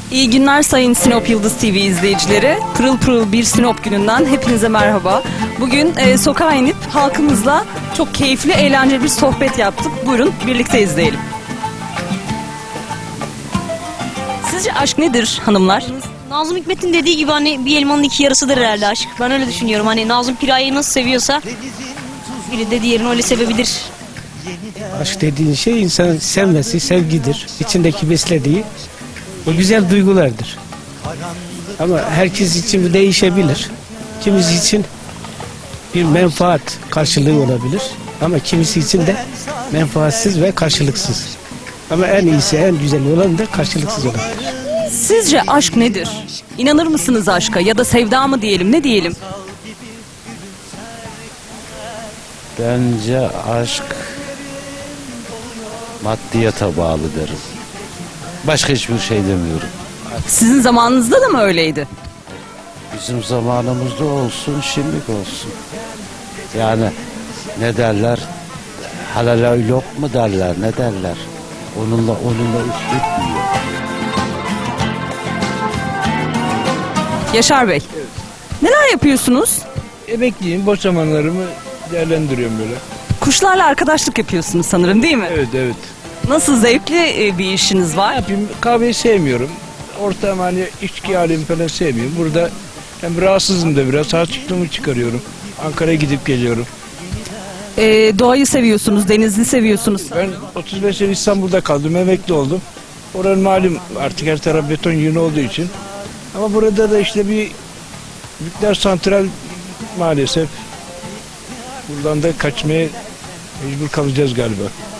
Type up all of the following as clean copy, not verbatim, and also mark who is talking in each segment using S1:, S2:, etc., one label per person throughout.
S1: İyi günler sayın Sinop Yıldız TV izleyicileri. Pırıl pırıl bir Sinop gününden hepinize merhaba. Bugün sokağa inip halkımızla çok keyifli, eğlenceli bir sohbet yaptık. Buyurun birlikte izleyelim. Sizce aşk nedir hanımlar?
S2: Nazım Hikmet'in dediği gibi hani bir elmanın iki yarısıdır herhalde aşk. Ben öyle düşünüyorum. Hani Nazım Piraye'yi nasıl seviyorsa biri de diğerini öyle sevebilir.
S3: Aşk dediğin şey insanın sevmesi, sevgidir. İçindeki beslediği o güzel duygulardır. Ama herkes için bu değişebilir. Kimisi için bir menfaat karşılığı olabilir. Ama kimisi için de menfaatsiz ve karşılıksız. Ama en iyisi, en güzeli olan da karşılıksız olandır.
S1: Sizce aşk nedir? İnanır mısınız aşka ya da sevda mı diyelim, ne diyelim?
S4: Bence aşk maddiyata bağlı derim. Başka hiçbir şey demiyorum.
S1: Sizin zamanınızda da mı öyleydi?
S4: Bizim zamanımızda olsun, şimdilik olsun. Yani ne derler? Halal yok mu derler, ne derler? Onunla iş bitmiyor.
S1: Yaşar Bey, neler yapıyorsunuz?
S5: Emekliyim, boş zamanlarımı değerlendiriyorum böyle.
S1: Kuşlarla arkadaşlık yapıyorsunuz sanırım, değil mi?
S5: Evet, evet.
S1: Nasıl, zevkli bir işiniz
S5: Ne
S1: var?
S5: yapayım, kahveyi sevmiyorum. Ortam hani içki alemi falan sevmiyorum. Burada hem rahatsızım da biraz, harçlığımı çıkarıyorum. Ankara'ya gidip geliyorum.
S1: Doğayı seviyorsunuz, denizi seviyorsunuz.
S5: Ben 35 sene İstanbul'da kaldım, emekli oldum. Oranın malum artık her taraf beton yığını olduğu için. Ama burada da işte bir nükleer santral maalesef. Buradan da kaçmaya mecbur kalacağız galiba.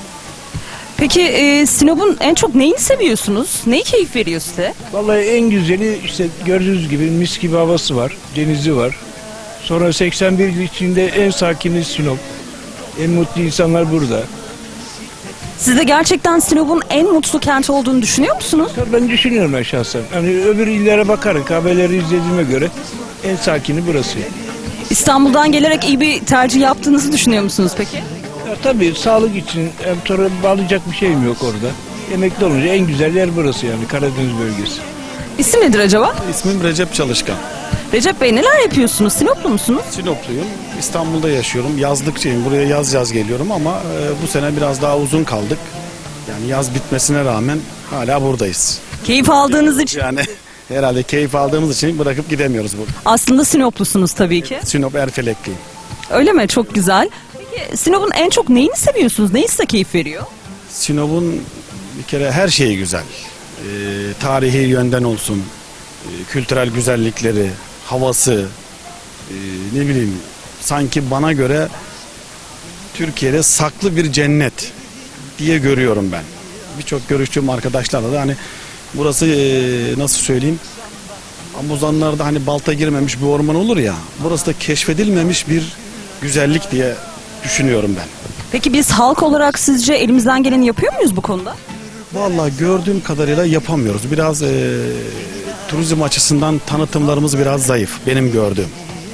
S1: Peki Sinop'un en çok neyini seviyorsunuz? Neyi keyif veriyor size?
S5: Vallahi en güzeli işte gördüğünüz gibi mis gibi havası var, denizi var. Sonra 81 il içinde en sakini Sinop. En mutlu insanlar burada.
S1: Siz de gerçekten Sinop'un en mutlu kent olduğunu düşünüyor musunuz?
S5: Tabii ben düşünüyorum ben şahsen. Hani öbür illere bakarak haberleri izlediğime göre en sakini burası.
S1: İstanbul'dan gelerek iyi bir tercih yaptığınızı düşünüyor musunuz peki?
S5: Ya tabii sağlık için hem sonra bağlayacak bir şeyim yok orada. Emekli olunca en güzel yer burası yani Karadeniz bölgesi.
S1: İsim nedir acaba?
S6: İsmim Recep Çalışkan.
S1: Recep Bey, neler yapıyorsunuz? Sinoplu musunuz?
S6: Sinopluyum. İstanbul'da yaşıyorum. Yazlıkçıyım. Buraya yaz geliyorum ama bu sene biraz daha uzun kaldık. Yani yaz bitmesine rağmen hala buradayız.
S1: Keyif aldığınız için.
S6: Yani herhalde keyif aldığımız için bırakıp gidemiyoruz burada.
S1: Aslında Sinoplusunuz tabii ki.
S6: Sinop Erfelekliyim.
S1: Öyle mi? Çok güzel. Peki Sinop'un en çok neyini seviyorsunuz? Neyi size keyif veriyor?
S6: Sinop'un bir kere her şeyi güzel. Tarihi yönden olsun, kültürel güzellikleri, havası, ne bileyim sanki bana göre Türkiye'de saklı bir cennet diye görüyorum ben. Birçok görüştüğüm arkadaşlarla da hani burası nasıl söyleyeyim, Amuzanlarda hani balta girmemiş bir orman olur ya, burası da keşfedilmemiş bir güzellik diye düşünüyorum ben.
S1: Peki biz halk olarak sizce elimizden geleni yapıyor muyuz bu konuda?
S6: Vallahi gördüğüm kadarıyla yapamıyoruz. Biraz turizm açısından tanıtımlarımız biraz zayıf benim gördüğüm.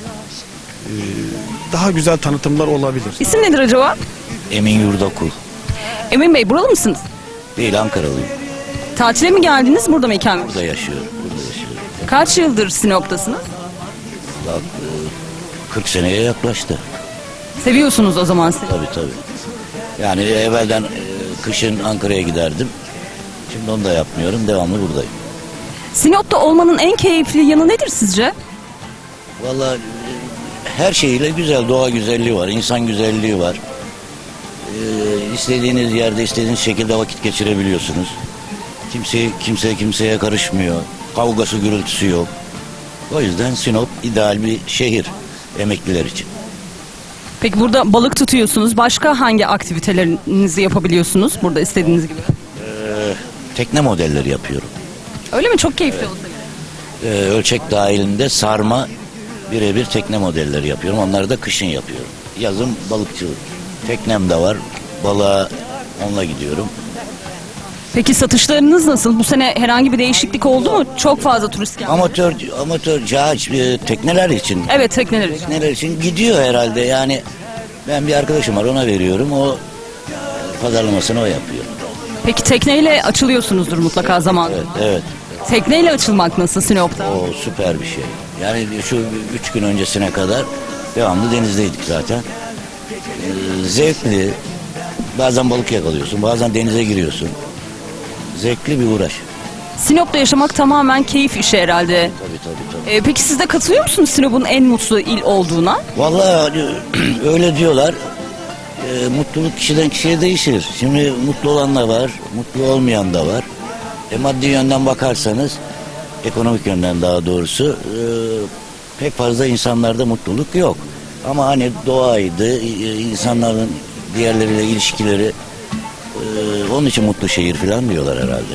S6: Daha güzel tanıtımlar olabilir.
S1: İsim nedir acaba?
S7: Emin Yurdakul.
S1: Emin Bey, buralı mısınız?
S7: Değil, Ankaralıyım.
S1: Tatile mi geldiniz, burada mı ikamet?
S7: Burada yaşıyorum. Burada yaşıyorum.
S1: Kaç yıldır Sinop'tasınız?
S7: Bak, 40 seneye yaklaştı.
S1: Seviyorsunuz o zaman Sinop.
S7: Tabii. Yani evvelden kışın Ankara'ya giderdim. Şimdi onu da yapmıyorum. Devamlı buradayım.
S1: Sinop'ta olmanın en keyifli yanı nedir sizce?
S7: Vallahi her şeyiyle güzel. Doğa güzelliği var. İnsan güzelliği var. İstediğiniz yerde istediğiniz şekilde vakit geçirebiliyorsunuz. Kimse kimseye karışmıyor. Kavgası gürültüsü yok. O yüzden Sinop ideal bir şehir emekliler için.
S1: Peki burada balık tutuyorsunuz. Başka hangi aktivitelerinizi yapabiliyorsunuz burada istediğiniz gibi?
S7: Tekne modelleri yapıyorum.
S1: Öyle mi? Çok keyifli oldu.
S7: Ölçek dahilinde sarma birebir tekne modelleri yapıyorum. Onları da kışın yapıyorum. Yazın balıkçılık. Teknem de var. Balığa onunla gidiyorum.
S1: Peki satışlarınız nasıl? Bu sene herhangi bir değişiklik oldu mu? Çok fazla turist geldi.
S7: Amatör cahaç tekneler için.
S1: Evet, tekneler için.
S7: Tekneler için gidiyor herhalde. Yani ben bir arkadaşım var, ona veriyorum. O pazarlamasını o yapıyor.
S1: Peki tekneyle açılıyorsunuzdur mutlaka zamanında.
S7: Evet.
S1: Tekneyle açılmak nasıl Sinop'ta?
S7: O süper bir şey. Yani şu 3 gün öncesine kadar devamlı denizdeydik zaten. Zevkli. Bazen balık yakalıyorsun, bazen denize giriyorsun. Zevkli bir uğraş.
S1: Sinop'ta yaşamak tamamen keyif işi herhalde.
S7: Tabii.
S1: Peki siz de katılıyor musunuz Sinop'un en mutlu il olduğuna?
S7: Vallahi öyle diyorlar. Mutluluk kişiden kişiye değişir. Şimdi mutlu olan da var, mutlu olmayan da var. Maddi yönden bakarsanız, ekonomik yönden daha doğrusu pek fazla insanlarda mutluluk yok. Ama hani doğaydı, insanların diğerleriyle ilişkileri, onun için mutlu şehir falan diyorlar herhalde.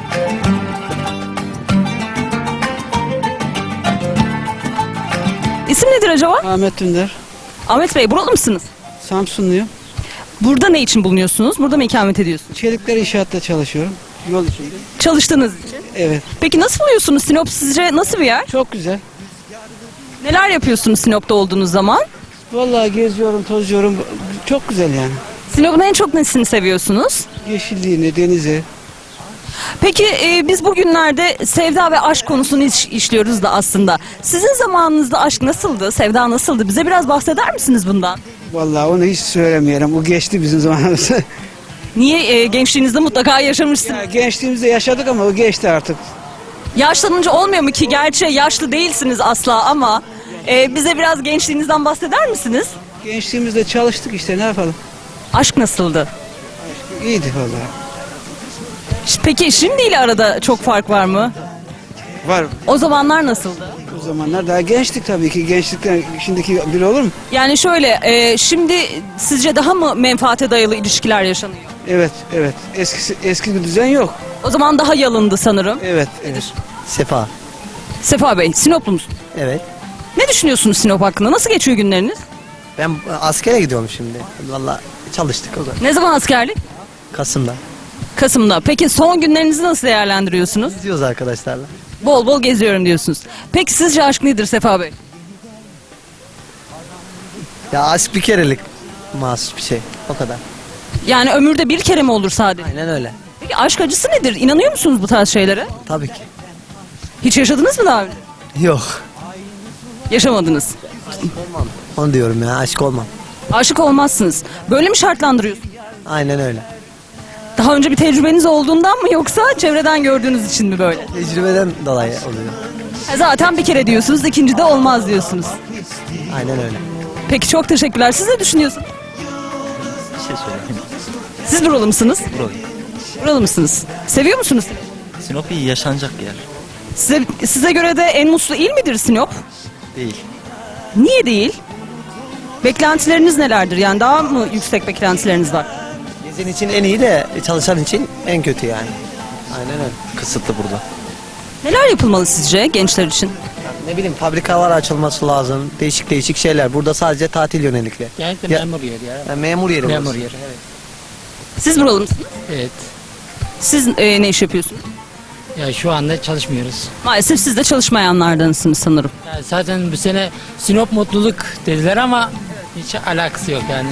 S1: İsim nedir acaba?
S8: Ahmet Dündar.
S1: Ahmet Bey, buralı mısınız?
S8: Samsunluyum.
S1: Burada ne için bulunuyorsunuz? Burada mı ikamet ediyorsunuz?
S8: Çelikler inşaatta çalışıyorum. Yol içinde.
S1: Çalıştığınız için.
S8: Evet.
S1: Peki nasıl buluyorsunuz Sinop, sizce nasıl bir yer?
S8: Çok güzel.
S1: Neler yapıyorsunuz Sinop'ta olduğunuz zaman?
S8: Vallahi geziyorum, tozuyorum. Çok güzel yani.
S1: Sinop'un en çok nesini seviyorsunuz?
S8: Yeşilliğini, denizi.
S1: Peki biz bugünlerde sevda ve aşk konusunu işliyoruz da aslında. Sizin zamanınızda aşk nasıldı, sevda nasıldı? Bize biraz bahseder misiniz bundan?
S8: Vallahi onu hiç söylemeyelim. O geçti bizim zamanımızda.
S1: Niye gençliğinizde mutlaka yaşamışsınız?
S8: Ya gençliğimizde yaşadık ama o geçti artık.
S1: Yaşlanınca olmuyor mu ki? Gerçi yaşlı değilsiniz asla ama bize biraz gençliğinizden bahseder misiniz?
S8: Gençliğimizde çalıştık işte, ne yapalım.
S1: Aşk nasıldı?
S8: İyiydi vallahi.
S1: Peki şimdiyle arada çok fark var mı?
S8: Var.
S1: O zamanlar nasıldı?
S8: O zamanlar daha gençtik tabii ki. Gençlikten şimdiki bir olur mu?
S1: Yani şöyle, şimdi sizce daha mı menfaate dayalı ilişkiler yaşanıyor?
S8: Evet, evet. Eski bir düzen yok.
S1: O zaman daha yalındı sanırım.
S8: Evet, evet.
S9: Sefa.
S1: Sefa Bey, Sinoplu musunuz?
S9: Evet.
S1: Ne düşünüyorsunuz Sinop hakkında? Nasıl geçiyor günleriniz?
S9: Ben askere gidiyorum şimdi. Valla çalıştık o da.
S1: Ne zaman askerlik?
S9: Kasım'da.
S1: Kasım'da. Peki son günlerinizi nasıl değerlendiriyorsunuz?
S9: Gidiyoruz arkadaşlarla.
S1: Bol bol geziyorum diyorsunuz. Peki sizce aşk nedir Sefa Bey?
S9: Ya aşk bir kerelik mahsus bir şey. O kadar.
S1: Yani ömürde bir kere mi olur sadece?
S9: Aynen öyle.
S1: Peki aşk acısı nedir? İnanıyor musunuz bu tarz şeylere?
S9: Tabii ki.
S1: Hiç yaşadınız mı daha önce?
S9: Yok.
S1: Yaşamadınız.
S9: Onu diyorum ya, aşk olmam.
S1: Aşık olmazsınız. Böyle mi şartlandırıyorsunuz?
S9: Aynen öyle.
S1: Daha önce bir tecrübeniz olduğundan mı yoksa çevreden gördüğünüz için mi böyle?
S9: Tecrübeden dolayı oluyor.
S1: Zaten bir kere diyorsunuz, ikinci de olmaz diyorsunuz.
S9: Aynen öyle.
S1: Peki çok teşekkürler. Siz ne düşünüyorsunuz?
S10: Bir şey söyleyeyim.
S1: Siz buralı mısınız?
S10: Buralıyım.
S1: Buralı mısınız? Seviyor musunuz?
S10: Sinop iyi yaşanacak yer.
S1: Size göre de en mutlu il midir Sinop?
S10: Değil.
S1: Niye değil? Beklentileriniz nelerdir? Yani daha mı yüksek beklentileriniz var?
S9: Gezen için en iyi de çalışan için en kötü yani. Aynen öyle.
S10: Kısıtlı burada.
S1: Neler yapılmalı sizce gençler için?
S9: Ne bileyim, fabrikalar açılması lazım. Değişik değişik şeyler. Burada sadece tatil yönelikli.
S11: Genellikle
S9: Ya-
S11: memur yeri ya.
S9: Yani memur yeri
S11: Memur
S9: burası.
S11: yeri, evet.
S1: Siz buralı mısınız?
S11: Evet.
S1: Siz ne iş yapıyorsunuz?
S11: Ya şu anda çalışmıyoruz.
S1: Maalesef siz de çalışmayanlardansınız sanırım.
S11: Ya zaten bu sene Sinop mutluluk dediler ama hiç alakası yok yani.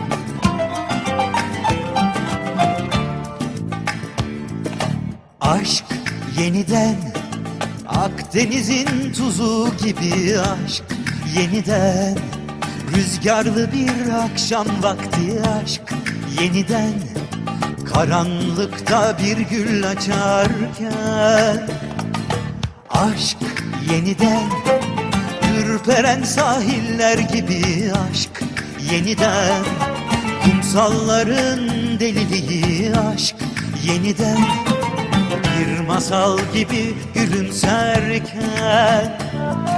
S12: Aşk yeniden Akdeniz'in tuzu gibi aşk yeniden Rüzgarlı bir akşam vakti aşk yeniden Karanlıkta bir gül açarken Aşk yeniden Ürperen sahiller gibi aşk yeniden Kumsalların deliliği aşk yeniden Bir masal gibi gülümserken